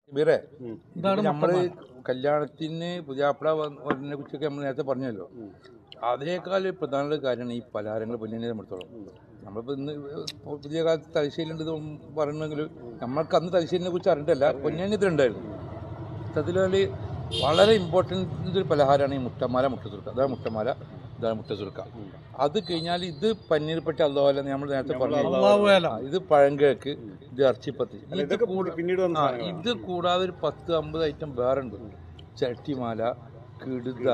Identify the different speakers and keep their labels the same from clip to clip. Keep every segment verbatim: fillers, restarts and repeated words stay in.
Speaker 1: ഇവരെ നമ്മള് കല്യാണത്തിന് പുതിയാപ്പിള വന്നതിനെ കുറിച്ചൊക്കെ നമ്മൾ നേരത്തെ പറഞ്ഞല്ലോ. അതിനേക്കാൾ പ്രധാന കാര്യമാണ് ഈ പലഹാരങ്ങൾ പൊന്നിനെ സംബന്ധിച്ചോളം. നമ്മളിപ്പോൾ ഇന്ന് പുതിയ കാലത്ത് തലശ്ശേരിയുണ്ട് പറയണമെങ്കിൽ നമ്മൾക്ക് അന്ന് തലശ്ശേരിനെ കുറിച്ച് അറിഞ്ഞിട്ടല്ല, പൊന്നിന് ഇതിലുണ്ടായിരുന്നു. അതിൽ വളരെ ഇമ്പോർട്ടൻ്റ് ഒരു പലഹാരമാണ് ഈ മുട്ടമാല മുട്ടസുർക്ക. അതാണ് മുട്ടമാല, ഇതാണ് മുട്ടസുർക്ക. അത് കഴിഞ്ഞാൽ ഇത് പന്നീർപ്പെട്ടി അള്ളാഹുല നമ്മൾ നേരത്തെ പറഞ്ഞു, ഇത് പഴങ്കേക്ക്, ഇത് ഇറച്ചിപ്പത്തി. ഇത് കൂടാതെ ഒരു പത്ത് അമ്പത് ഐറ്റം വേറെ ഉണ്ട്. ചട്ടിമാല, കിടുത,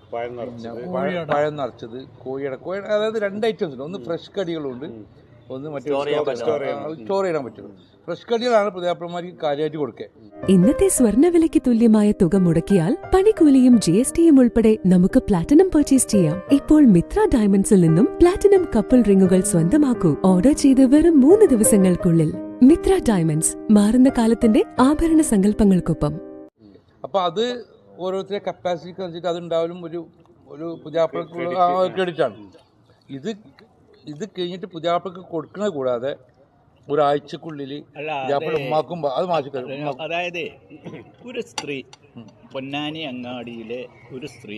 Speaker 1: പഴം നിറച്ചത്, കോഴിയുടെ കോഴി അതായത് രണ്ട് ഐറ്റംസ് ഉണ്ട്. ഒന്ന് ഫ്രഷ് കടികളുണ്ട്, ഒന്ന് മറ്റേ സ്റ്റോർ ചെയ്യാൻ പറ്റും. ഫ്രഷ് കടികളാണ് പുതിയാപ്പിളമാർക്ക് കാര്യമായിട്ട് കൊടുക്കുക.
Speaker 2: ഇന്നത്തെ സ്വർണ്ണവിലയ്ക്ക് തുല്യമായ തുക മുടക്കിയാൽ പണിക്കൂലിയും ജി എസ് ടിയും ഉൾപ്പെടെ നമുക്ക് പ്ലാറ്റിനം പർച്ചേസ് ചെയ്യാം. ഇപ്പോൾ മിത്ര ഡയമണ്ട്സിൽ നിന്നും പ്ലാറ്റിനം കപ്പിൾ റിങ്ങുകൾ സ്വന്തമാക്കൂ. ഓർഡർ ചെയ്ത് വെറും മൂന്ന് ദിവസങ്ങൾക്കുള്ളിൽ. മിത്ര ഡയമണ്ട്സ്, മാറുന്ന കാലത്തിന്റെ ആഭരണ സങ്കല്പങ്ങൾക്കൊപ്പം.
Speaker 1: അപ്പൊ അത് ഓരോരുത്തരുടെ കപ്പാസിറ്റിക്ക് അനുസരിച്ച് അതുണ്ടാവലും ഒരു ഒരു പുതിയാപ്പിളക്കുള്ള ക്രെഡിറ്റ് ആണ്. ഇത് ഇത് കഴിഞ്ഞിട്ട് പുതിയാപ്പിളക്ക് കൊടുക്കുന്നത് കൂടാതെ ഒരാഴ്ചക്കുള്ളിൽ ഉമ്മാക്കും അത് മാറ്റിക്കരും.
Speaker 3: അതായത് ഒരു സ്ത്രീ, പൊന്നാനി അങ്ങാടിയിലെ ഒരു സ്ത്രീ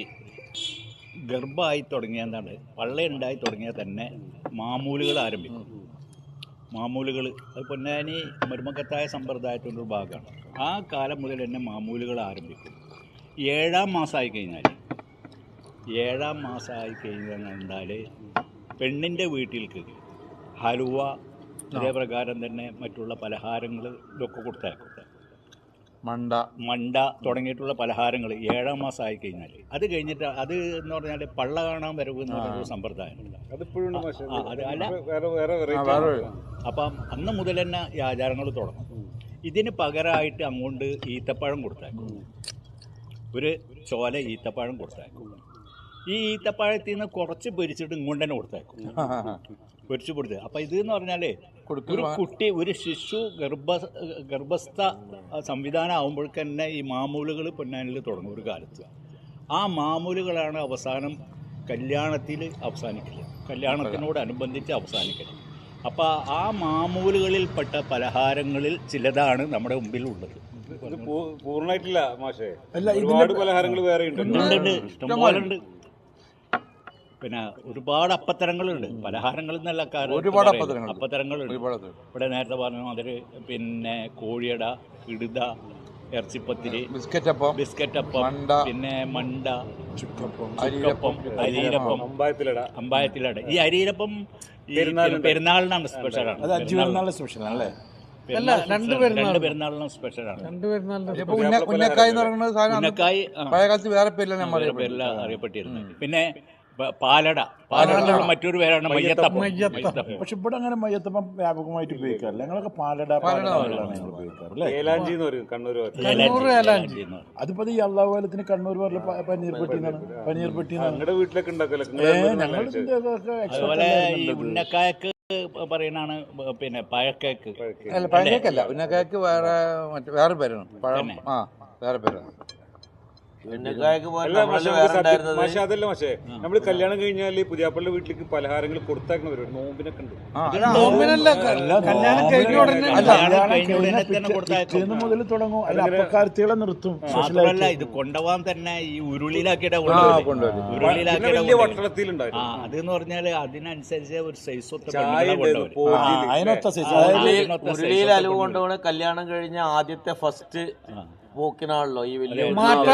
Speaker 3: ഗർഭമായി തുടങ്ങിയ എന്താണ് പള്ളയുണ്ടായി തുടങ്ങിയാൽ തന്നെ മാമൂലുകൾ ആരംഭിക്കും. മാമൂലുകൾ അത് പൊന്നാനി മരുമക്കത്തായ സമ്പ്രദായത്തിൻ്റെ ഒരു ഭാഗമാണ്. ആ കാലം മുതൽ തന്നെ മാമൂലുകൾ ആരംഭിക്കും. ഏഴാം മാസമായി കഴിഞ്ഞാൽ ഏഴാം മാസമായി കഴിഞ്ഞാൽ പെണ്ണിൻ്റെ വീട്ടിലേക്ക് ഹലുവ, അതേപ്രകാരം തന്നെ മറ്റുള്ള പലഹാരങ്ങൾ ഇതൊക്കെ കൊടുത്തേക്കും.
Speaker 1: മണ്ട
Speaker 3: മണ്ട തുടങ്ങിയിട്ടുള്ള പലഹാരങ്ങൾ ഏഴാം മാസം ആയി കഴിഞ്ഞാൽ അത് കഴിഞ്ഞിട്ട് അത് എന്ന് പറഞ്ഞാൽ പള്ള കാണാൻ വരവ് എന്ന് പറയുന്ന സംപ്രദായമുണ്ട്. അത് അല്ല, അപ്പം അന്ന് മുതൽ തന്നെ ഈ ആചാരങ്ങൾ തുടങ്ങും. ഇതിന് പകരമായിട്ട് അങ്ങോട്ട് ഈത്തപ്പഴം കൊടുത്തേക്കും. ഒരു ചോല ഈത്തപ്പഴം കൊടുത്തേക്കും. ഈ ഈത്തപ്പഴത്തിൽ നിന്ന് കുറച്ച് പൊരിച്ചിട്ട് ഇങ്ങോട്ട് തന്നെ കൊടുത്തേക്കും, പൊരിച്ചു കൊടുത്ത്. അപ്പം ഇത് എന്ന് പറഞ്ഞാൽ ഒരു കുട്ടി, ഒരു ശിശു ഗർഭ ഗർഭസ്ഥ സംവിധാനം ആകുമ്പോഴേക്ക് തന്നെ ഈ മാമൂലുകൾ പൊന്നാനിൽ തുടങ്ങും ഒരു കാലത്ത്. ആ മാമൂലുകളാണ് അവസാനം കല്യാണത്തിൽ അവസാനിക്കല്, കല്യാണത്തിനോടനുബന്ധിച്ച് അവസാനിക്കല്. അപ്പോൾ ആ മാമൂലുകളിൽപ്പെട്ട പലഹാരങ്ങളിൽ ചിലതാണ് നമ്മുടെ മുമ്പിൽ ഉള്ളത്.
Speaker 4: പൂർണ്ണമായിട്ടില്ല മാഷേ, ഒരുപാട് പലഹാരങ്ങൾ വേറെ ഉണ്ട്,
Speaker 3: ഇഷ്ടംപോലെ ഉണ്ട്. പിന്നെ ഒരുപാട് അപ്പത്തരങ്ങളുണ്ട്, പലഹാരങ്ങൾ എന്നല്ല,
Speaker 1: ഒരുപാട്
Speaker 3: അപ്പത്തരങ്ങളുണ്ട്. ഇവിടെ നേരത്തെ പറഞ്ഞു അതിൽ പിന്നെ കോഴിയട, ഇടുത, ഇറച്ചിപ്പത്തിരി,
Speaker 1: ബിസ്ക്കറ്റപ്പം,
Speaker 3: ബിസ്ക്കറ്റപ്പം, പിന്നെ മണ്ട, ചുക്കപ്പം, അരിയിലപ്പം, അമ്പായത്തിലട. അമ്പായത്തിലട ഈ അരിയിലപ്പം പെരുന്നാളിനാണ് സ്പെഷ്യലാണ്. രണ്ട് പെരുന്നാളിനും സ്പെഷ്യലാണ്.
Speaker 1: ഉന്നക്കായ് ഉന്നക്കായ് പഴയ കാലത്ത് വേറെ
Speaker 3: പേരിലാണ് അറിയപ്പെട്ടിരുന്നത്. പിന്നെ പാലട, പാലട മറ്റൊരു പേരാണ് മയ്യത്തപ്പം.
Speaker 5: പക്ഷെ ഇവിടെ അങ്ങനെ മയ്യത്തപ്പം വ്യാപകമായിട്ട് ഉപയോഗിക്കാറില്ല. ഞങ്ങളൊക്കെ പാലട അതിപ്പോ ഈ അള്ളാഹുലത്തിന് കണ്ണൂർ പറഞ്ഞ പനീർ പെട്ടിന്നാണ്. പനീർ പെട്ടിന്നാണ്
Speaker 4: വീട്ടിലൊക്കെ
Speaker 3: അതുപോലെ ഈ ഉന്നക്കായക്ക് പറയുന്നതാണ് പിന്നെ പഴക്കേക്ക്.
Speaker 1: അല്ല, പഴക്കേക്കല്ല, ഉന്നക്കായക്ക് വേറെ വേറെ പേരാണ്. പഴം ആ വേറെ പേരാണ്.
Speaker 4: അതല്ല പക്ഷേ നമ്മള് കല്യാണം കഴിഞ്ഞാല് പുതിയാപ്പള്ളിയുടെ വീട്ടിലേക്ക് പലഹാരങ്ങൾ കൊടുത്താക്കുന്ന പരിപാടി നോമ്പിനൊക്കെ ഉണ്ട്.
Speaker 5: മുതൽ തുടങ്ങും. അപ്പക്കാർത്തികളെ നിർത്തും.
Speaker 3: മാത്രമല്ല ഇത് കൊണ്ടുപോകാൻ തന്നെ ഈ ഉരുളിയിലാക്കിയിട്ട്
Speaker 4: വലിയ വട്ടളത്തിലുണ്ടായിരുന്നു.
Speaker 3: അതെന്ന് പറഞ്ഞാല് അതിനനുസരിച്ച് ഒരു സൈസ്
Speaker 6: ഉരുളിയിൽ അലുവ കൊണ്ടുപോണ കല്യാണം കഴിഞ്ഞ ആദ്യത്തെ ഫസ്റ്റ് പോക്കിനാണല്ലോ ഈ വലിയ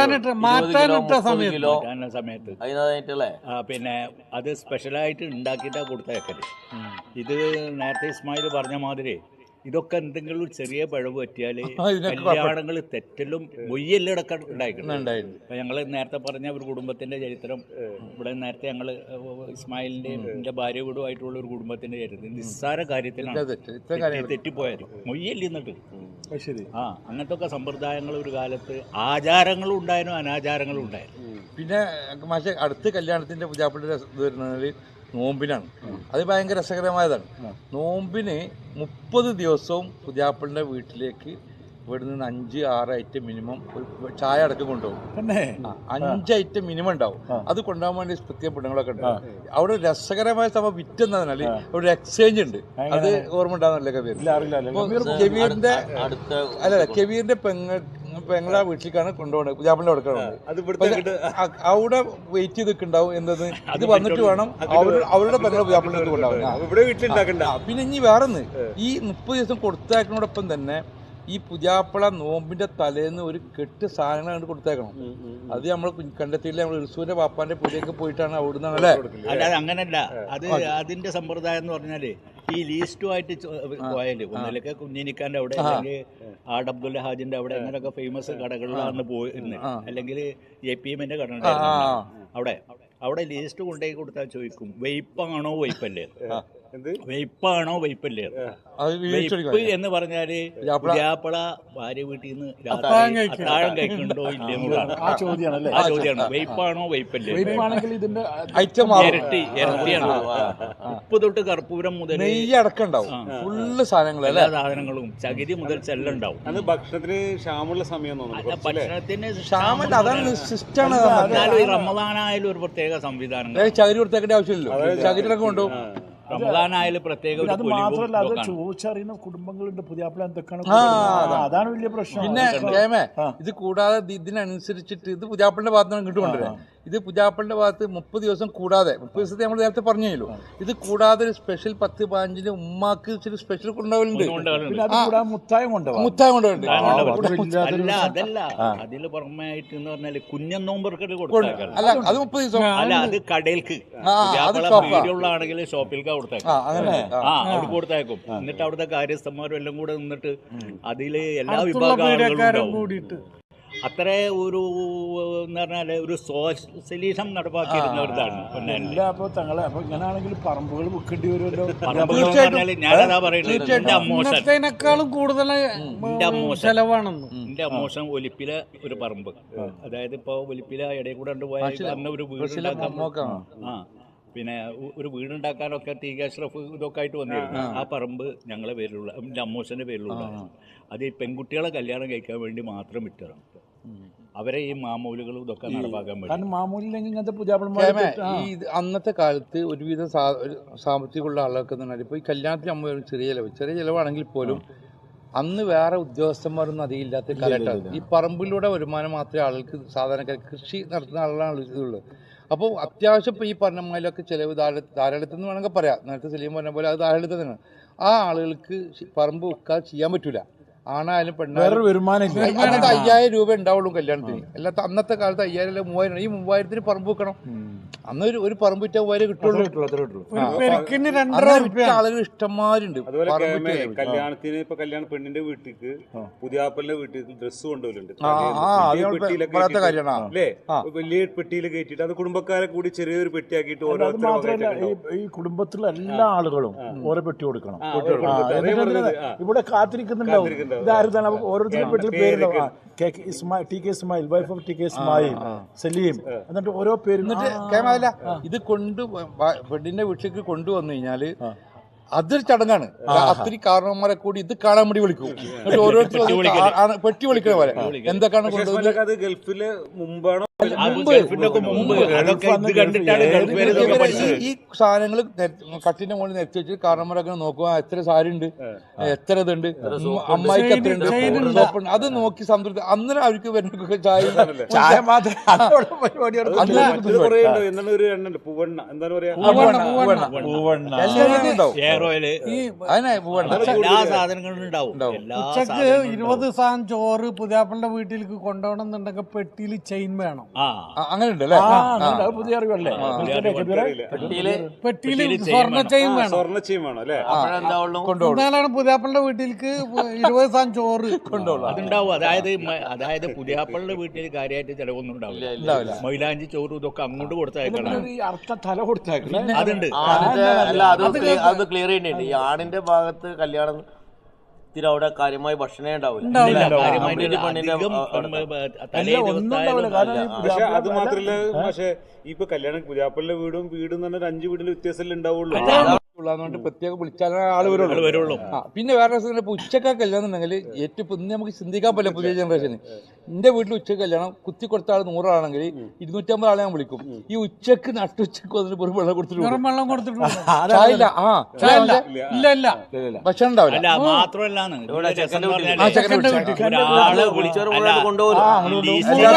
Speaker 3: സമയത്ത്
Speaker 6: അതിനായിട്ടല്ലേ.
Speaker 3: പിന്നെ അത് സ്പെഷ്യലായിട്ട് ഉണ്ടാക്കിയിട്ടാ കൊടുത്തേക്കല്. ഇത് നേരത്തെ ഇസ്മായിൽ പറഞ്ഞ മാതിരി ഇതൊക്കെ എന്തെങ്കിലും ഒരു ചെറിയ പിഴവ് പറ്റിയാൽ കല്യാണങ്ങൾ തെറ്റലും മൊയ്യെല്ലാം ഇടക്കം ഉണ്ടായിട്ടുണ്ട്. അപ്പൊ ഞങ്ങൾ നേരത്തെ പറഞ്ഞ ഒരു കുടുംബത്തിന്റെ ചരിത്രം ഇവിടെ നേരത്തെ ഞങ്ങൾ ഇസ്മായിലിന്റെ എന്റെ ഭാര്യ വീടുമായിട്ടുള്ള ഒരു കുടുംബത്തിന്റെ ചരിത്രം നിസ്സാര കാര്യത്തിലാണ് തെറ്റിപ്പോയത്. മൊയ്യല്ലേ എന്നിട്ട് ആ അങ്ങനത്തെ ഒക്കെ സമ്പ്രദായങ്ങൾ ഒരു കാലത്ത് ആചാരങ്ങളും ഉണ്ടായിരുന്നു, അനാചാരങ്ങളും ഉണ്ടായിരുന്നു.
Speaker 1: പിന്നെ പക്ഷേ അടുത്ത കല്യാണത്തിന്റെ പുതിയാപ്പിളിയുടെ ഇത് വരുന്നത് നോമ്പിനാണ്. അത് ഭയങ്കര രസകരമായതാണ്. നോമ്പിന് മുപ്പത് ദിവസവും പുതിയാപ്പിളിൻ്റെ വീട്ടിലേക്ക് ഇവിടെ നിന്ന് അഞ്ച് ആറ് ഐറ്റം മിനിമം ചായ അടക്കം കൊണ്ടുപോകും.
Speaker 5: പിന്നെ
Speaker 1: അഞ്ച് ഐറ്റം മിനിമം ഉണ്ടാവും. അത് കൊണ്ടുപോകാൻ വേണ്ടി പ്രത്യേക പെണ്ണുങ്ങളൊക്കെ ഉണ്ടാവും. അവിടെ രസകരമായ സംഭവം വിറ്റെന്നതിനാൽ അവിടെ എക്സ്ചേഞ്ച് ഉണ്ട്. അത് ഓർമ്മ ഉണ്ടാകുന്നല്ലേ കബീർ? കബീറിന്റെ അല്ല കബീറിന്റെ പെങ്ങൾ പെങ്ങളെ വീട്ടിലേക്കാണ് കൊണ്ടുപോകുന്നത്, പുതിയാപ്പിളിന്റെ കൊടുക്കുന്നത്. അവിടെ വെയിറ്റ് ചെയ്ത് നിൽക്കുന്നുണ്ടാവും എന്നത് ഇത് വന്നിട്ട് വേണം അവരുടെ പെങ്ങളെ പുതിയാപ്പിളിന്റെ അടുത്ത് കൊണ്ടുപോകാൻ. പിന്നെ ഇനി വേറൊന്ന്, ഈ മുപ്പത് ദിവസം കൊടുത്തേക്കുന്നതോടൊപ്പം തന്നെ ഈ പുതിയാപ്പിള നോമ്പിന്റെ തലേന്ന് ഒരു കെട്ട് സാധനങ്ങൾ കണ്ട് കൊടുത്തേക്കണം. അത് നമ്മൾ കണ്ടെത്തിയില്ല. നമ്മൾ ഇർസൂന്റെ പാപ്പാന്റെ പുതിയൊക്കെ പോയിട്ടാണ് അവിടുന്ന് അല്ലേ?
Speaker 3: അല്ലാതെ അങ്ങനല്ല. അത് അതിന്റെ സമ്പ്രദായം എന്ന് പറഞ്ഞാല് ഈ ലീസ്റ്റുമായിട്ട് പോയാല് ഒന്നിലൊക്കെ കുഞ്ഞിനിക്കാന്റെ അവിടെ അല്ലെങ്കിൽ ആഡ് അബ്ദുൽ ഹാജിന്റെ അവിടെ അങ്ങനെയൊക്കെ ഫേമസ് കടകളിലാണ് പോയിരുന്നത്. അല്ലെങ്കിൽ എ പി എമ്മിന്റെ കട അവിടെ അവിടെ ലീസ്റ്റ് കൊണ്ടുപോയി കൊടുത്താൽ ചോദിക്കും വെയ്പ്പാണോ വൈപ്പല്ലേ, വെയ്പ്പാണോ വൈപ്പല്ലേ. വെയ്പ്പ് എന്ന് പറഞ്ഞാല് പുതിയാപ്പിള ഭാര്യ വീട്ടിൽ നിന്ന് അത്താഴം കഴിക്കുന്നുണ്ടോ ഇല്ലെന്നുള്ളതാണ് ആ ചോദ്യമാണ്. ആ ചോദ്യമാണ് വെയ്പ്പാണോ വൈപ്പല്ലേ. ഇരട്ടി ഇരട്ടിയാണ്. ഉപ്പ് തൊട്ട് കർപ്പൂരം മുതൽ
Speaker 1: ഫുള്ള് സാധനങ്ങൾ എല്ലാ
Speaker 3: സാധനങ്ങളും ചകിരി മുതൽ ചെല്ലാം ഉണ്ടാവും.
Speaker 4: അത് ഭക്ഷണത്തിന് ക്ഷാമുള്ള സമയം
Speaker 3: ഭക്ഷണത്തിന്
Speaker 1: സിസ്റ്റമാണ്.
Speaker 3: റമദാനായാലും ഒരു പ്രത്യേക സംവിധാനം.
Speaker 1: ചകിരി കൊടുത്തേക്കേണ്ട ആവശ്യമില്ലല്ലോ, ചകിരിയൊക്കെ കൊണ്ടുപോകും.
Speaker 3: റമദാനായാലും പ്രത്യേക.
Speaker 5: അത് മാത്രമല്ല, അത് ചോദിച്ചറിയുന്ന കുടുംബങ്ങളുണ്ട്. പുതിയാപ്പിള എന്തൊക്കെയാണ്, അതാണ് വലിയ പ്രശ്നം.
Speaker 1: പിന്നെ കേമേ ഇത് കൂടാതെ ഇതിനനുസരിച്ചിട്ട് ഇത് പുതിയാപ്പിളിന്റെ ഭാഗത്ത് നിന്ന് ഇങ്ങോട്ട് കൊണ്ടുവരാം. ഇത് പുതിയാപ്പിളിന്റെ ഭാഗത്ത് മുപ്പത് ദിവസം കൂടാതെ മുപ്പത് ദിവസത്തെ നമ്മൾ നേരത്തെ പറഞ്ഞല്ലോ. ഇത് കൂടാതെ ഒരു സ്പെഷ്യൽ പത്ത് പതിനഞ്ചിന് ഉമ്മാക്ക് ഇച്ചിരി സ്പെഷ്യൽ കൊണ്ടുപോകലുണ്ട്.
Speaker 5: മുത്തായം കൊണ്ടുപോകും.
Speaker 1: മുത്തായം കൊണ്ടുപോകുന്നുണ്ട്.
Speaker 3: അല്ല അതല്ല, അതില് പുറമായിട്ട് എന്ന് പറഞ്ഞാല് കുഞ്ഞൻ നോമ്പർക്കല് കൊടുക്കും.
Speaker 1: അല്ല അത് മുപ്പത് ദിവസം
Speaker 3: അല്ല, അത് കടയിൽക്ക് വീടുള്ളാണെങ്കിൽ ഷോപ്പിൽക്ക് കൊടുത്തേക്കും. ആ അവിടെ കൊടുത്തേക്കും. എന്നിട്ട് അവിടുത്തെ കാര്യസ്ഥന്മാരും എല്ലാം കൂടെ നിന്നിട്ട് അതില് എല്ലാ വിഭാഗങ്ങളും കൂടിയിട്ട് അത്ര ഒരു എന്ന് പറഞ്ഞാല് ഒരു സോഷ്യലിസം നടപ്പാക്കിയിരുന്നവരാണ്.
Speaker 5: തങ്ങളെ അപ്പൊ ഇങ്ങനെയാണെങ്കിൽ പറമ്പുകൾ വിൽക്കേണ്ടി വരുമല്ലോ.
Speaker 3: ഞാനതാ പറയുന്നത്, എന്റെ അമ്മോശനേക്കാളും
Speaker 7: കൂടുതൽ ചെലവാണെന്ന്.
Speaker 3: എന്റെ അമ്മോശൻ ഒലിപ്പിലെ ഒരു പറമ്പ്, അതായത് ഇപ്പൊ ഒലിപ്പില ഇടയിൽ കൂടെ പോയ ഒരു വീടുണ്ടാക്കാൻ ആ പിന്നെ ഒരു വീടുണ്ടാക്കാനൊക്കെ ടി കെ അഷ്റഫ് ഇതൊക്കെ ആയിട്ട് വന്നിരുന്നു. ആ പറമ്പ് ഞങ്ങളെ പേരിലുള്ള എൻ്റെ അമ്മൂസൻ്റെ പേരിലുള്ള അത് ഈ പെൺകുട്ടികളെ കല്യാണം കഴിക്കാൻ വേണ്ടി മാത്രം വിറ്റതാണ്. അവരെ ഈ മാമൂലുകളും ഇതൊക്കെ നടപ്പാക്കാൻ
Speaker 1: വേണ്ടി. ഈ അന്നത്തെ കാലത്ത് ഒരുവിധം സാമ്പത്തികമുള്ള ആളുകൾക്ക് എന്ന് പറഞ്ഞാൽ ഇപ്പോൾ ഈ കല്യാണത്തിന് അമ്മ ചെറിയ ചിലവ് ചെറിയ ചിലവാണെങ്കിൽ പോലും അന്ന് വേറെ ഉദ്യോഗസ്ഥന്മാരൊന്നും അധികം ഇല്ലാത്ത കാലഘട്ടമാണ്. ഈ പറമ്പിലൂടെ വരുമാനം മാത്രമേ ആളുകൾക്ക് സാധാരണക്കാർ കൃഷി നടത്തുന്ന ആളുകളാണ് ഇതുള്ളത്. അപ്പോൾ അത്യാവശ്യം ഇപ്പോൾ ഈ പറഞ്ഞ മാതിരിയൊക്കെ ചിലവ് ധാരാ ധാരാളത്തിൽ നിന്ന് വേണമെങ്കിൽ പറയാം. നേരത്തെ സലീം പറഞ്ഞ പോലെ അത് ധാരാളത്തിൽ തന്നെയാണ്. ആ ആളുകൾക്ക് പറമ്പ് വെക്കാൻ ചെയ്യാൻ പറ്റൂല. ആണായാലും പെണ്ണായാലും വരുമാനം അന്നത്തെ അയ്യായിരം രൂപ ഉണ്ടാവുള്ളൂ കല്യാണത്തിന്. അല്ലാത്ത അന്നത്തെ കാലത്ത് അയ്യായിരം അല്ല മൂവായിരം. ഈ മൂവായിരത്തിന് പറമ്പ് വെക്കണം. അന്ന് ഒരു ഒരു പറമ്പ് വിറ്റാൽ മൂവായിരം കിട്ടുള്ളൂ. ആളുകൾ ഇഷ്ടംമാരുണ്ട്.
Speaker 4: കല്യാണത്തിന് ഇപ്പൊ കല്യാണ പെണ്ണിന്റെ വീട്ടിലേക്ക് പുതിയാപ്പലിന്റെ വീട്ടിലേക്ക് ഡ്രസ്സ് കൊണ്ടുവരുന്നുണ്ട്. അല്ലേ? വലിയ പെട്ടിയിൽ കയറ്റിട്ട് അത് കുടുംബക്കാരെ കൂടി ചെറിയൊരു പെട്ടിയാക്കിയിട്ട്
Speaker 5: ഈ കുടുംബത്തിലുള്ള എല്ലാ ആളുകളും ഓരോ പെട്ടി കൊടുക്കണം. ഇവിടെ കാത്തിരിക്കുന്നുണ്ടാവും. ഓരോരുത്തരുടെ വീട്ടിൽ പേരുണ്ടാവും. T K Ismail, wife of T K Ismail, Saleem, എന്നിട്ട് ഓരോ പേര്.
Speaker 1: ഇത് കൊണ്ട് പെണ്ണിന്റെ വീട്ടിലേക്ക് കൊണ്ടുവന്നു കഴിഞ്ഞാല് അതൊരു ചടങ്ങാണ്. അത്തിരി കാരണവന്മാരെ കൂടി ഇത് കാണാൻ വേണ്ടി വിളിക്കും. എന്നിട്ട് ഓരോരുത്തർ പെട്ടി വിളിക്കണ പോലെ എന്തൊക്കെയാണ് കൊണ്ടുവന്നത്.
Speaker 4: അത് ഗൾഫില് മുമ്പാണോ
Speaker 1: ഈ സാധനങ്ങൾ കട്ടിന്റെ മുകളിൽ നിരത്തി വെച്ചിട്ട് കാരണന്മാരൊക്കെ നോക്കുക എത്ര സാരി ഉണ്ട്, എത്ര ഇതുണ്ട്, അമ്മായിക്ക് എത്ര ഉണ്ട്, അത് നോക്കി സംതൃപ്തി. അന്നേരം അവർക്ക് വരുന്ന ചായ ചായ മാത്രം
Speaker 7: ഉച്ചക്ക് ഇരുപത് സാധനം ചോറ് പുതിയാപ്പന്റെ വീട്ടിലേക്ക് കൊണ്ടുപോകണം എന്നുണ്ടെങ്കിൽ പെട്ടിയിൽ ചെയിൻ വേണം.
Speaker 1: അങ്ങനെ ഉണ്ടല്ലേ?
Speaker 5: പുതിയ അറിവല്ലേ?
Speaker 7: പെട്ടിയിൽ സ്വർണ്ണ ചെയിൻ വേണം.
Speaker 4: സ്വർണ്ണ ചെയിൻ വേണം അല്ലേ?
Speaker 7: എന്നാലാണ് പുതിയാപ്പളിന്റെ വീട്ടിലേക്ക് ഇരുപത് സാധനം ചോറ് കൊണ്ടുപോകും.
Speaker 3: അതുണ്ടാവും. അതായത് അതായത് പുതിയാപ്പളിന്റെ വീട്ടിൽ കാര്യമായിട്ട് ചിലവൊന്നും ഉണ്ടാവില്ല. മൈലാഞ്ചി ചോറും ഇതൊക്കെ അങ്ങോട്ട് കൊടുത്തേക്കണം.
Speaker 5: തല കൊടുത്തേക്കണം.
Speaker 3: അതുണ്ട്.
Speaker 6: അത് ക്ലിയർ ചെയ്യേണ്ടി. ഈ ആണിന്റെ ഭാഗത്ത് കല്യാണം അവിടെ കാര്യമായി ഭക്ഷണേ ഉണ്ടാവില്ല.
Speaker 4: പക്ഷെ അത് മാത്രല്ല, പക്ഷെ ഇപ്പൊ കല്യാണം പുതിയാപ്പളിന്റെ വീടും വീടും തന്നെ അഞ്ചു വീടിന്റെ വ്യത്യാസമല്ലേ ഉണ്ടാവുള്ളൂ.
Speaker 1: ഉള്ളതുകൊണ്ട് പ്രത്യേകം വിളിച്ചാലേ ആള് വരുള്ളൂ
Speaker 3: വരുള്ളൂ
Speaker 1: ആ പിന്നെ വേറെ രസം ഇപ്പൊ ഉച്ചക്കാ കല്യാണം എന്നുണ്ടെങ്കിൽ ഏറ്റവും ഇപ്പൊ ഇന്ന് നമുക്ക് ചിന്തിക്കാൻ പറ്റില്ല പുതിയ ജനറേഷന്. എന്റെ വീട്ടിൽ ഉച്ചക്ക് കല്യാണം കുത്തി കൊടുത്ത ആൾ നൂറാണെങ്കിൽ ഇരുന്നൂറ്റമ്പത് ആളെ ഞാൻ വിളിക്കും. ഈ ഉച്ചക്ക് നട്ടുച്ചക്ക് വന്നിട്ട് ഒരു വെള്ളം കൊടുത്തിട്ട്
Speaker 7: വെള്ളം കൊടുത്തിട്ടുണ്ട്
Speaker 1: ചായ ഇല്ല ആ ചായ
Speaker 7: ഇല്ല ഇല്ല
Speaker 1: ഭക്ഷണം ഉണ്ടാവില്ല.
Speaker 3: അല്ല മാത്രമല്ലാന്ന്
Speaker 1: ആ ചെക്കൻ്റെ വീട്ടിൽ
Speaker 3: ഒരാള്
Speaker 6: വിളിച്ചവർ മുഴുവൻ കൊണ്ടുപോകും.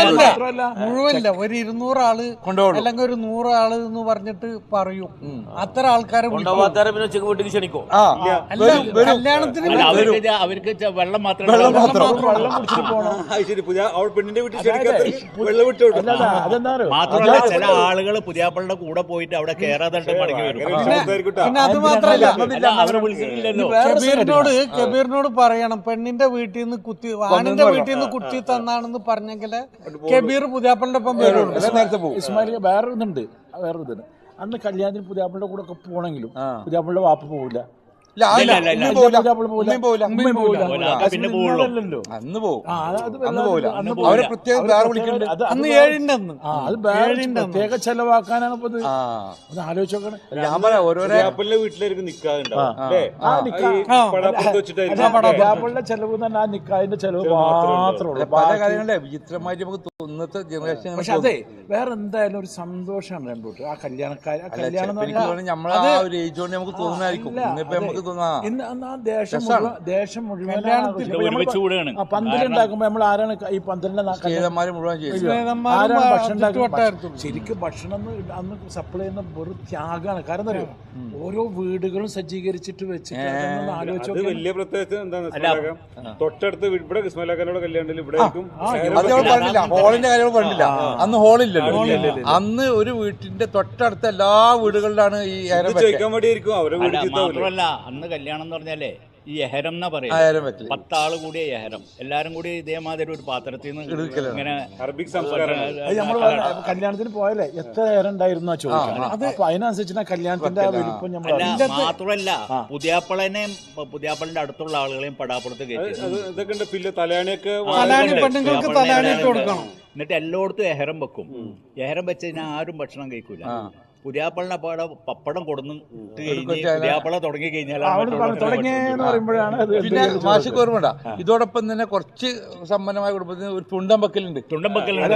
Speaker 7: മുഴുവല്ല ഒരു ഇരുന്നൂറ് ആള്
Speaker 1: കൊണ്ടുപോകും
Speaker 7: അല്ലെങ്കിൽ ഒരു നൂറ് ആള് എന്ന് പറഞ്ഞിട്ട് പറയും. അത്ര ആൾക്കാരെ വിളിക്കും.
Speaker 6: കൊണ്ടുപോകാത്ത പിന്നെ ഉച്ചക്ക് വീട്ടിൽ ക്ഷണിക്കോ?
Speaker 1: ആ
Speaker 7: അല്ല, കല്യാണത്തിന്
Speaker 3: അല്ല, അവർക്ക് ഇത് അവർക്ക് ഇത് വെള്ളം മാത്രമേ
Speaker 1: വെള്ളം മാത്രം
Speaker 5: വെള്ളം കുടിച്ചിട്ട് പോകണം.
Speaker 4: ശരി പുതിയ അവൾ പെണ്ണിന്റെ വീട്ടിൽ ക്ഷണിക്കാത്ത വെള്ളം വിട്ടു വിട്ടു
Speaker 5: അതെന്താ
Speaker 3: മാത്രമല്ല ചില ആളുകൾ പുതിയാപ്പളുടെ കൂടെ പോയിട്ട് അവിടെ കേറാതെ മടങ്ങി വരും.
Speaker 7: പിന്നെ അത് മാത്രല്ല
Speaker 3: അല്ല, അവരെ വിളിച്ചിട്ടില്ലല്ലോ.
Speaker 7: കബീറിനോട് കബീറിനോട് പറയണം പെണ്ണിന്റെ വീട്ടിൽ നിന്ന് കുത്തി ആണിന്റെ വീട്ടിൽ നിന്ന് കുത്തി തന്നാണെന്ന് പറഞ്ഞെങ്കില് കബീർ പുതിയാപ്പളിന്റെ ഒപ്പം വരുള്ളൂ.
Speaker 1: നേരത്തെ പോകും.
Speaker 5: ഇസ്മായിൽ വേറെ ഇതുണ്ട് വേറെ ഇതുണ്ട് അന്ന് കല്യാണത്തിന് പുതിയാപ്പിളുടെ കൂടെ ഒക്കെ പോകണമെങ്കിലും പുതിയാപ്പിളുടെ വാപ്പ പോവില്ല.
Speaker 1: ഇല്ല
Speaker 3: ഇല്ല, ഇല്ല, ഇല്ല.
Speaker 1: അന്ന് പോവില്ല
Speaker 5: പുതിയാപ്പിള പോവില്ല.
Speaker 1: ഉമ്മയും പോവില്ല
Speaker 5: ഉമ്മയും പോവില്ല.
Speaker 3: പോവില്ല. പിന്നെ പോവുള്ളൂ.
Speaker 5: അല്ലല്ലോ.
Speaker 1: അന്ന് പോകും
Speaker 5: ആ, അത് അത്
Speaker 1: അന്ന് പോവില്ല
Speaker 5: അന്ന്
Speaker 1: അവരെ പ്രത്യേകം വേറെ വിളിക്കുന്നുണ്ട്.
Speaker 5: അത്
Speaker 7: അന്ന്
Speaker 5: അത്
Speaker 7: ഏഴിന്റെ അന്ന്
Speaker 5: ആ അത് വേറെ പ്രത്യേക ചെലവാക്കാനാണ് ഇപ്പൊ ഇത്.
Speaker 1: ആ
Speaker 5: ഒന്ന് ആലോചിച്ച് നോക്കണം.
Speaker 1: ഞാൻ പറയാം ഓരോരോ
Speaker 4: പുതിയാപ്പളിന്റെ വീട്ടിലായിരിക്കും നിക്കാറുണ്ടാവും അല്ലേ?
Speaker 5: ആ നിക്കാ
Speaker 4: പടാപ്പുറത്ത് വെച്ചിട്ടായിരിക്കും
Speaker 5: പുതിയാപ്പിളുടെ ചെലവ് തന്നെ ആ നിക്കാതിന്റെ ചെലവ് മാത്രമേ ഉള്ളൂ.
Speaker 1: പല കാര്യങ്ങളെ വിചിത്രമായിട്ട് നമുക്ക് ഇന്നത്തെ ജനറേഷൻ
Speaker 5: പക്ഷെ അതെ വേറെ എന്തായാലും ഒരു സന്തോഷമാണ് രണ്ടോട്ട് ആ കല്യാണക്കാര് ആ കല്യാണം എന്ന് പറഞ്ഞാൽ
Speaker 1: നമ്മളെ ആ ഒരു ഏജ് കൊണ്ട് നമുക്ക് തോന്നുന്നായിരിക്കും. ഇന്നിപ്പോ നമുക്ക് തോന്നാ
Speaker 5: ഇന്ന് അന്ന് ആ ദേശം മുഴുവൻ ദേശം മുഴുവൻ
Speaker 3: ഒരുമിച്ച് കൂടുകയാണ്.
Speaker 5: ആ പന്തലുണ്ടാക്കുമ്പോ നമ്മൾ ആരാണ് ഈ പന്തലിന്റെ നാ-
Speaker 1: ചെയ്തന്മാര് മുഴുവൻ ചെയ്തു.
Speaker 5: ആരാണ് ഭക്ഷണം ഉണ്ടാക്കുന്നത്?
Speaker 7: ചുറ്റുവട്ടായിരുന്നു.
Speaker 5: ശരിക്കും ഭക്ഷണം എന്ന് അന്ന് സപ്ലൈ ചെയ്യുന്ന വെറും ത്യാഗമാണ്. കാരണം എന്താ അറിയോ ഓരോ വീടുകളും സജ്ജീകരിച്ചിട്ട് വെച്ചിട്ട് അതൊന്ന് ആലോചിച്ച്
Speaker 4: അത്
Speaker 5: നോക്കിയാൽ
Speaker 4: വലിയ പ്രത്യേകത എന്താണെന്ന് ഇസ്മാലാക്കാം തൊട്ടടുത്ത് വീ- ഇവിടെ ഇസ്മാലാക്കാനോട് കല്യാണത്തിൽ ഇവിടെ ആയിരിക്കും
Speaker 1: അത് നമ്മൾ പറഞ്ഞില്ല ഹോളിന്റെ കാര്യങ്ങൾ പറഞ്ഞില്ല. അന്ന് ഹോളില്ലല്ലോ. അന്ന് ഒരു വീട്ടിന്റെ തൊട്ടടുത്ത എല്ലാ വീടുകളിലാണ് ഈ ഏരം വെക്കൽ.
Speaker 4: ചോദിക്കാൻ വേണ്ടിയായിരിക്കും അവരെ
Speaker 3: അല്ല,
Speaker 4: വീട്ടിൽ
Speaker 3: മാത്രമല്ല അന്ന് കല്യാണം എന്ന് പറഞ്ഞാലേ ഈ എഹരം എന്നാ
Speaker 1: ആ
Speaker 3: പറയാ
Speaker 1: ഏരം വെക്കല്.
Speaker 3: പത്താള് കൂടിയ എഹരം എല്ലാരും കൂടി ഇതേമാതിരി ഒരു പാത്രത്തിൽ നിന്ന്
Speaker 1: എടുക്കലാണ്.
Speaker 3: ഇങ്ങനെ
Speaker 4: അറബിക് സംസ്കാരം
Speaker 5: അത് നമ്മൾ കല്യാണത്തിന് പോയാലേ എത്ര നേരം ഉണ്ടായിരുന്നു ചോദിക്കാം. അപ്പൊ അതിനനുസരിച്ച് കല്യാണത്തിന്റെ ആ വലിപ്പം നമ്മൾ
Speaker 3: അല്ല മാത്രമല്ല പുതിയാപ്പളനെയും പുതിയാപ്പളിന്റെ അടുത്തുള്ള ആളുകളെയും പടാപ്പുറത്ത് കയറ്റി
Speaker 4: അത് ഇതൊക്കെ ഉണ്ട് പിന്നെ തലയാണിയൊക്കെ
Speaker 7: തലാണി പെണ്ണുങ്ങൾക്ക് തലാണി ഇട്ട് കൊടുക്കണം.
Speaker 3: എന്നിട്ട് എല്ലായിടത്തും എഹരം വെക്കും. എഹരം വെച്ച് കഴിഞ്ഞാൽ ആരും ഭക്ഷണം കഴിക്കൂല. പുതിയാപ്പളിനെ പാടെ പപ്പടം കൊടുന്ന് ഇട്ട് കഴിഞ്ഞ് പുതിയാപ്പള തുടങ്ങി കഴിഞ്ഞാൽ
Speaker 5: തുടങ്ങിയെന്ന് പറയുമ്പോഴാണ് അത്
Speaker 1: പിന്നെ മാഷിക്ക് ഓർമ്മ ഇതോടൊപ്പം തന്നെ കുറച്ച് സമ്പന്നമായ കുടുംബത്തിന് ഒരു തുണ്ടം വെക്കലുണ്ട്.
Speaker 3: തുണ്ടം വെക്കലുണ്ട്.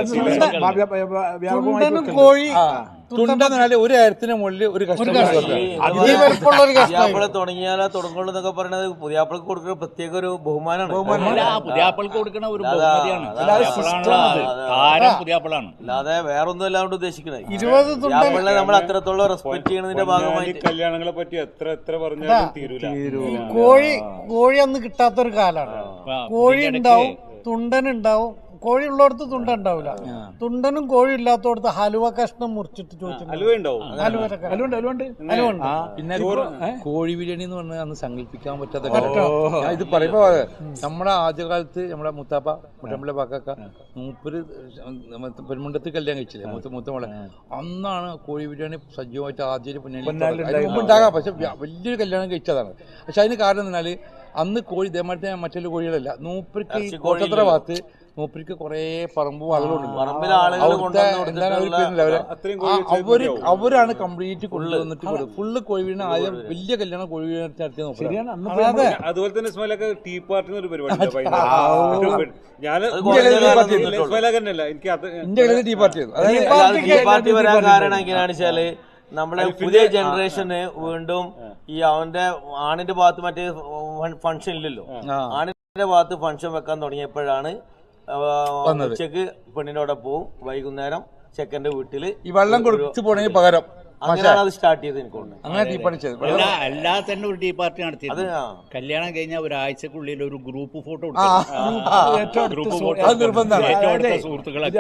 Speaker 7: തുണ്ടനും കോഴി
Speaker 1: തുണ്ടെന്ന് പറഞ്ഞാൽ ഒരു കാര്യത്തിന് മുകളിൽ ഒരു കഷ്ടം
Speaker 7: വലിപ്പമുള്ള ഒരു കഷ്ണം.
Speaker 6: പുതിയാപ്പിള തുടങ്ങിയാലോ തുടങ്ങുള്ളൂ എന്നൊക്കെ പറയുന്നത് പുതിയാപ്പിളക്ക് കൊടുക്കുന്ന പ്രത്യേക ഒരു ബഹുമാനമാണ്.
Speaker 3: അല്ല, പുതിയാപ്പൾക്ക് കൊടുക്കുന്ന ഒരു ബഹുമതിയാണ്. പുതിയാപ്പളാണല്ലോ താരം പുതിയാപ്പളാണ്.
Speaker 6: അല്ലാതെ വേറെ ഒന്നും അല്ലാണ്ട് ഉദ്ദേശിക്കുന്നത്
Speaker 7: ഇരുപത് തുണ്ടൻ
Speaker 6: പുതിയാപ്പിളിനെ നമ്മൾ അത്രത്തോളം റെസ്പെക്ട് ചെയ്യുന്നതിന്റെ ഭാഗമായിട്ട്
Speaker 4: കല്യാണങ്ങളെ പറ്റി എത്ര എത്ര പറഞ്ഞാലും തീരൂല.
Speaker 7: ഈ കോഴി കോഴി അന്ന് കിട്ടാത്തൊരു കാലാണ്. കോഴി ഉണ്ടാവും, തുണ്ടൻ ഉണ്ടാവും. കോഴി ഉള്ളിടത്ത് തുണ്ട ഉണ്ടാവില്ല. തുണ്ടനും കോഴി ഇല്ലാത്തടത്ത് ഹലുവ കഷ്ണം മുറിച്ചിട്ട് ചോദിച്ചു
Speaker 4: അലുവ ഉണ്ടാവും.
Speaker 7: ഹലുവൊക്കെ
Speaker 5: അലുണ്ട് അലുണ്ട്
Speaker 7: ഹലുവുണ്ട്.
Speaker 1: പിന്നെ കോഴി ബിരിയാണി എന്ന് പറഞ്ഞാൽ അന്ന് സങ്കല്പിക്കാൻ പറ്റാത്ത കാര്യം. ഞാൻ ഇത് പറയുമ്പോ നമ്മുടെ ആദ്യകാലത്ത് നമ്മുടെ മുത്താപ്പ മുട്ടമ്പളെ പാക്കാക്ക മൂപ്പര് പെൺമുണ്ടത്ത് കല്യാണം കഴിച്ചില്ലേ മൂത്ത മൂത്തമോളെ അന്നാണ് കോഴി ബിരിയാണി സജീവമായിട്ട് ആദ്യം മുമ്പ് ഉണ്ടാകാം. പക്ഷെ വലിയൊരു കല്യാണം കഴിച്ചതാണ്. പക്ഷെ അതിന് കാരണം എന്നാൽ അന്ന് കോഴി ഇതേമാതിരി മറ്റുള്ള കോഴികളല്ല. മൂപ്പർക്ക് ഈ കോട്ടത്തറ ഭാഗത്ത് മൂപ്പർക്ക് കുറെ പറമ്പും ആളുകളുണ്ട്. എന്താണ് അവർ അവര് അവര് അവരാണ് കംപ്ലീറ്റ് കൊണ്ടുവന്നിട്ട് കൊടുക്കും. ഫുള്ള് കോഴിവീടിന് ആദ്യം വലിയ കല്യാണം കോഴിവീട് നടത്തി നോക്കാം.
Speaker 4: അതുപോലെ തന്നെ ഇസ്മാലൊക്കെ ടീ പാർട്ടി ഒരു പരിപാടി ഞാൻ ഇസ്മാലല്ല എനിക്ക് അത്
Speaker 1: ഇന്ത്യയിലെ ടീ പാർട്ടി
Speaker 6: ടീ പാർട്ടി വരാൻ കാരണം എങ്ങനെയാണെന്ന് വെച്ചാല് നമ്മളെ പുതിയ ജനറേഷന് വീണ്ടും ഈ അവന്റെ ആണിന്റെ ഭാഗത്ത് മറ്റേ ഫംഗ്ഷൻ ഇല്ലല്ലോ. ആണിന്റെ ഭാഗത്ത് ഫംഗ്ഷൻ വെക്കാൻ തുടങ്ങിയപ്പോഴാണ് ഉച്ചക്ക് പെണ്ണിനോടെ പോവും, വൈകുന്നേരം ചെക്കന്റെ വീട്ടില്
Speaker 1: ഈ വെള്ളം കൊടുത്തു പോണെങ്കിൽ പകരം
Speaker 6: അങ്ങനെയാണ് അത് സ്റ്റാർട്ട് ചെയ്ത് എനിക്ക്
Speaker 1: അങ്ങനെ ടീ പാർട്ടി ചെയ്തു.
Speaker 3: അല്ലാതെ തന്നെ ഒരു ടീ പാർട്ടി നടത്തിയത്. കല്യാണം കഴിഞ്ഞാൽ ഒരാഴ്ചക്കുള്ളിൽ ഒരു ഗ്രൂപ്പ് ഫോട്ടോ ഗ്രൂപ്പ് ഫോട്ടോ
Speaker 1: നിർബന്ധമാണ്.
Speaker 3: സുഹൃത്തുക്കളൊക്കെ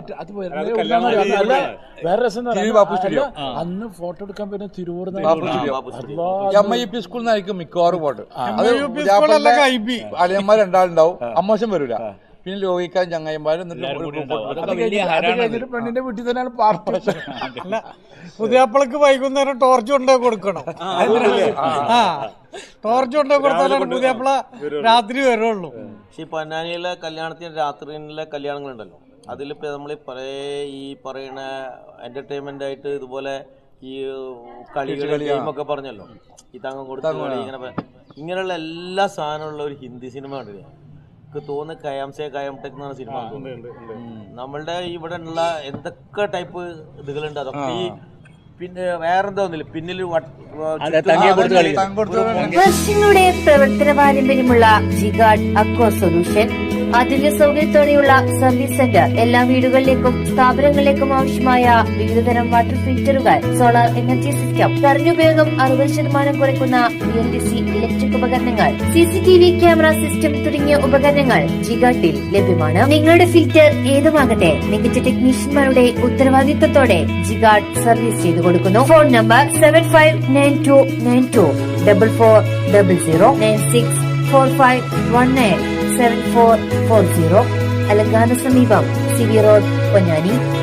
Speaker 5: വേറെ രസം അന്ന് ഫോട്ടോ എടുക്കാൻ പറ്റുന്ന തിരുവൂർ
Speaker 1: എം ഐ പി സ്കൂളിൽ നിന്നായിരിക്കും മിക്കവാറും ഫോട്ടോ. അത് അളിയന്മാർ രണ്ടാളുണ്ടാവും. അമ്മോശം വരൂല. പിന്നെ ലോകിക്കാൻ ചങ്ങായിമാരും
Speaker 5: പെണ്ണിന്റെ വീട്ടിൽ തന്നെയാണ് പാർട്ടി.
Speaker 7: പുതിയാപ്പിളക്ക് വൈകുന്നേരം ടോർച്ച് കൊണ്ടേ കൊടുക്കണം. ആ ടോർച്ച് കൊണ്ടേ കൊടുത്താലാണ് പുതിയാപ്പിള രാത്രി വരുള്ളൂ.
Speaker 6: പക്ഷെ ഈ പൊന്നാനിയിലെ കല്യാണത്തിന് രാത്രിയിലെ കല്യാണങ്ങളുണ്ടല്ലോ അതിലിപ്പോ നമ്മൾ പല ഈ പറയുന്ന എന്റർടൈൻമെന്റ് ആയിട്ട് ഇതുപോലെ ഈ കളികൾ ഗെയിമൊക്കെ പറഞ്ഞല്ലോ, ഈ തങ്കം കൊടുത്ത കളി, ഇങ്ങനെ ഇങ്ങനെയുള്ള എല്ലാ സാധനമുള്ള ഒരു ഹിന്ദി സിനിമ ഉണ്ട്. എനിക്ക് തോന്നുന്നു കയാംസെ കയാംടെക് എന്നാണ് സിനിമ. നമ്മളുടെ ഇവിടെ ഉള്ള എന്തൊക്കെ ടൈപ്പ് ഇതുകളുണ്ട് അതൊക്കെ ഈ പിന്നെ വേറെന്താ ഒന്നില്ല പിന്നിൽ
Speaker 8: വർഷങ്ങളുടെ പ്രവർത്തന പാരമ്പര്യമുള്ള ജിഗാർഡ് അക്വ സൊല്യൂഷൻ ആധുനിക സൗകര്യത്തോടെയുള്ള സർവീസ് സെന്റർ എല്ലാ വീടുകളിലേക്കും സ്ഥാപനങ്ങളിലേക്കും ആവശ്യമായ വിവിധതരം വാട്ടർ ഫിൽറ്ററുകൾ, സോളാർ എനർജി സിസ്റ്റം, കറണ്ടുപയോഗം അറുപത് ശതമാനം കുറയ്ക്കുന്ന B L D C electric ഉപകരണങ്ങൾ, C C T V camera system തുടങ്ങിയ ഉപകരണങ്ങൾ ജിഗാർഡിൽ ലഭ്യമാണ്. നിങ്ങളുടെ ഫിൽറ്റർ ഏതുമാകട്ടെ മികച്ച ടെക്നീഷ്യന്മാരുടെ ഉത്തരവാദിത്തത്തോടെ ജിഗാർഡ് സർവീസ് ചെയ്തു കൊടുക്കുന്നു. Phone number seven five nine two nine two double four double zero nine six four five one nine seven four four zero. അലങ്കാന സമീപം സി വി റോഡ്, പൊന്നാനി.